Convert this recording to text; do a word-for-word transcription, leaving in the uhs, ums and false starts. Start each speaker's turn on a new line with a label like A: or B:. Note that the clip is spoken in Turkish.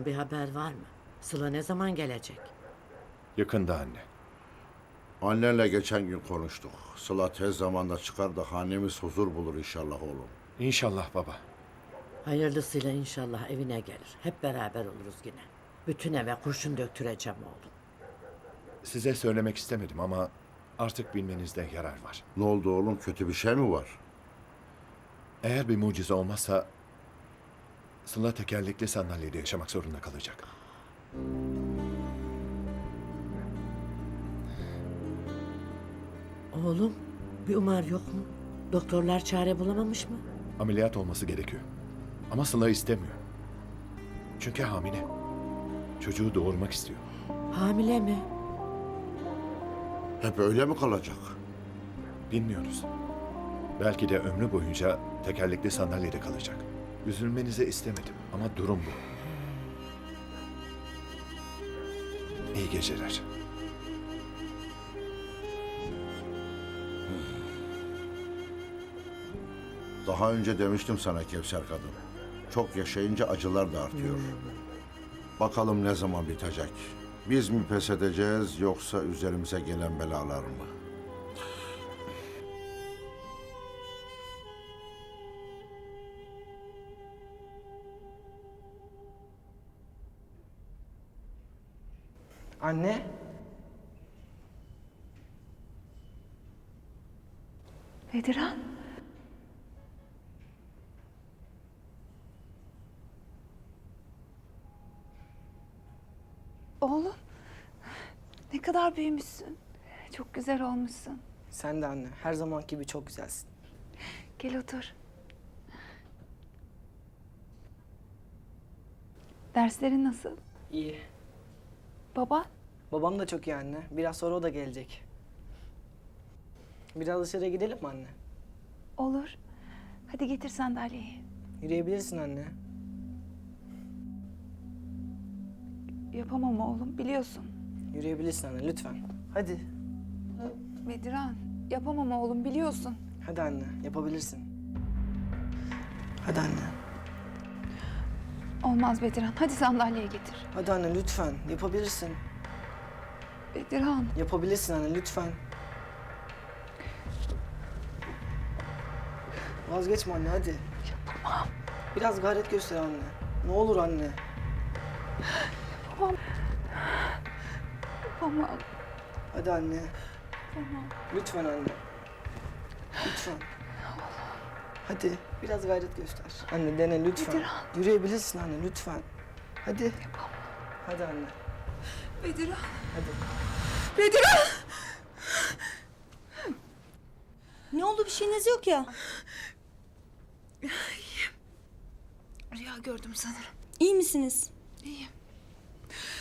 A: bir haber var mı? Sıla ne zaman gelecek?
B: Yakında anne.
C: Annenle geçen gün konuştuk. Sıla tez zamanda çıkar da hanemiz huzur bulur inşallah oğlum.
B: İnşallah baba.
A: Hayırlısıyla inşallah evine gelir. Hep beraber oluruz yine. Bütün eve kurşun döktüreceğim oğlum.
B: Size söylemek istemedim ama artık bilmenizde yarar var.
C: Ne oldu oğlum, kötü bir şey mi var?
B: Eğer bir mucize olmazsa Sıla tekerlekli sandalyede yaşamak zorunda kalacak.
A: Oğlum, bir umar yok mu? Doktorlar çare bulamamış mı?
B: Ameliyat olması gerekiyor. Ama Sıla istemiyor. Çünkü hamile. Çocuğu doğurmak istiyor.
A: Hamile mi?
C: Hep öyle mi kalacak?
B: Bilmiyoruz. Belki de ömrü boyunca tekerlekli sandalyede kalacak. Üzülmenizi istemedim ama durum bu. İyi geceler.
C: Daha önce demiştim sana Kevser kadın. Çok yaşayınca acılar da artıyor. Bakalım ne zaman bitecek? Biz mi pes edeceğiz yoksa üzerimize gelen belalar mı?
D: Anne.
E: Bediran. Oğlum. Ne kadar büyümüşsün. Çok güzel olmuşsun.
D: Sen de anne. Her zamanki gibi çok güzelsin.
E: Gel otur. Derslerin nasıl?
D: İyi.
E: Baba?
D: Babam da çok iyi anne. Biraz sonra o da gelecek. Biraz dışarıya gidelim mi anne?
E: Olur. Hadi getir sandalyeyi.
D: Yürüyebilirsin anne.
E: Yapamam oğlum, biliyorsun.
D: Yürüyebilirsin anne lütfen. Hadi.
E: Bediran, yapamam oğlum, biliyorsun.
D: Hadi anne yapabilirsin. Hadi anne.
E: Olmaz Bediran, hadi sandalyeyi getir.
D: Hadi anne lütfen. Yapabilirsin.
E: Bediran.
D: Yapabilirsin anne lütfen. Vazgeçme anne hadi.
E: Yapamam.
D: Biraz gayret göster anne. Ne olur anne.
E: Yapamam. Yapamam.
D: Hadi anne.
E: Yapamam.
D: Lütfen anne. Lütfen. Hadi biraz gayret göster. Anne dene lütfen.
E: Bediran.
D: Yürüyebilirsin anne lütfen. Hadi.
E: Yapamam.
D: Hadi anne.
E: Bediran.
D: Hadi.
E: Bediran!
F: Ne oldu, bir şeyiniz yok ya?
E: Rüya gördüm sanırım.
F: İyi misiniz?
E: İyiyim.